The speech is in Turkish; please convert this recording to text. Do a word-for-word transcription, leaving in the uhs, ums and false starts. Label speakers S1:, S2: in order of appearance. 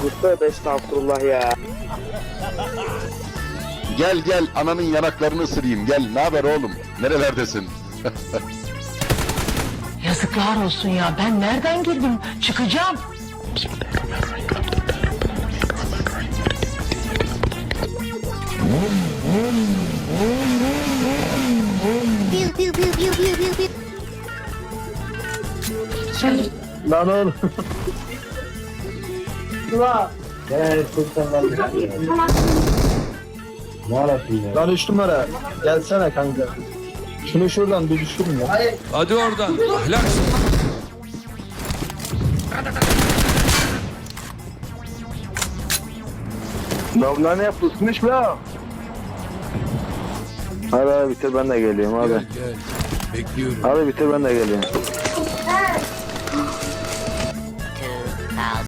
S1: Tövbe estağfurullah ya.
S2: Gel gel ananın yanaklarını ısırayım. Gel ne haber oğlum? Nerelerdesin?
S3: Yazıklar olsun ya. Ben nereden girdim? Çıkacağım.
S4: Pew pew pew pew pew pew pew.
S1: Lan oğlum. Lan üç numara. Gelsene kanka. Şunu şuradan bir düşürün ya.
S5: Hadi oradan. Ahlak.
S1: Lan ne yapıyorsunuz la? Hadi hadi bitir ben de geliyorum abi.
S5: Gel gel. Bekliyorum.
S1: Hadi bitir ben de geliyorum.